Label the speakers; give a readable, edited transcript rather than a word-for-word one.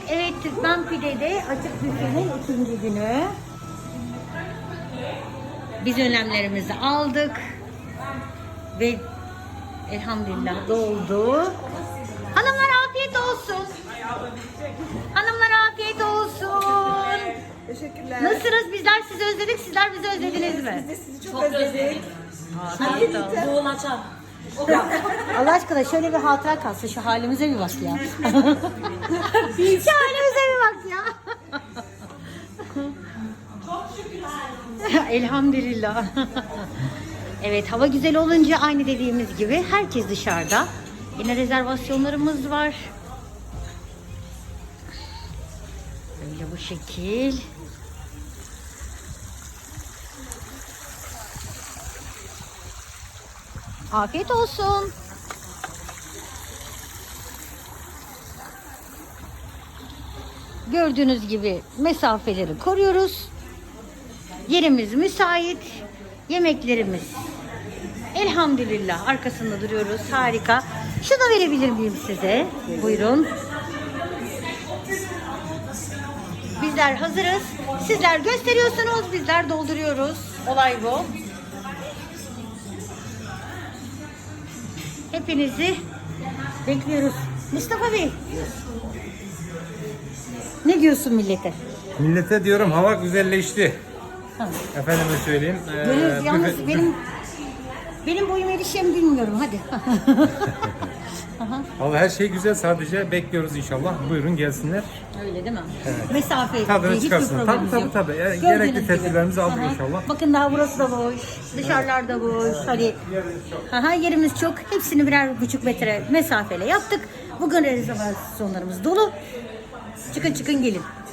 Speaker 1: Evet, Türkmen Pide'de açık büfenin ikinci günü. Biz önlemlerimizi aldık ve elhamdülillah doldu. Hanımlar afiyet olsun. Hanımlar afiyet olsun.
Speaker 2: Teşekkürler.
Speaker 1: Nasılsınız? Bizler sizi özledik, sizler bizi özlediniz mi?
Speaker 2: Biz de sizi çok özledik.
Speaker 1: Afiyet olsun.
Speaker 3: Doğum açar.
Speaker 1: Allah aşkına şöyle bir hatıra kalsın, şu halimize bir bak ya. Şu halimize bir bak ya. Elhamdülillah. Evet, hava güzel olunca aynı dediğimiz gibi herkes dışarıda. Yine rezervasyonlarımız var. Böyle bu şekil. Afiyet olsun. Gördüğünüz gibi mesafeleri koruyoruz. Yerimiz müsait. Yemeklerimiz elhamdülillah arkasında duruyoruz. Harika. Şunu verebilir miyim size? Buyurun. Bizler hazırız. Sizler gösteriyorsunuz. Bizler dolduruyoruz. Olay bu. Hepinizi bekliyoruz. Mustafa Bey. Ne diyorsun millete?
Speaker 4: Millete diyorum hava güzelleşti.
Speaker 1: Ha.
Speaker 4: Efendime söyleyeyim.
Speaker 1: Görüyoruz yalnız benim boyum erişeceğim bilmiyorum. Hadi.
Speaker 4: Valla her şey güzel, sadece bekliyoruz inşallah. Buyurun gelsinler.
Speaker 1: Öyle değil mi? Mesafe
Speaker 4: Tadını
Speaker 1: hiçbir
Speaker 4: çıkarsınlar.
Speaker 1: problemimiz
Speaker 4: Tabii,
Speaker 1: yok.
Speaker 4: tabii. Yani
Speaker 1: Gördüğünüz
Speaker 4: gerekli
Speaker 1: gibi.
Speaker 4: tedbirlerimizi aldık
Speaker 1: Aha.
Speaker 4: inşallah.
Speaker 1: Bakın daha burası da boş. Dışarılarda boş. Hani yerimiz çok. Hepsini 1,5 metre mesafeyle yaptık. Bugün rezervasyonlarımız dolu. Çıkın gelin.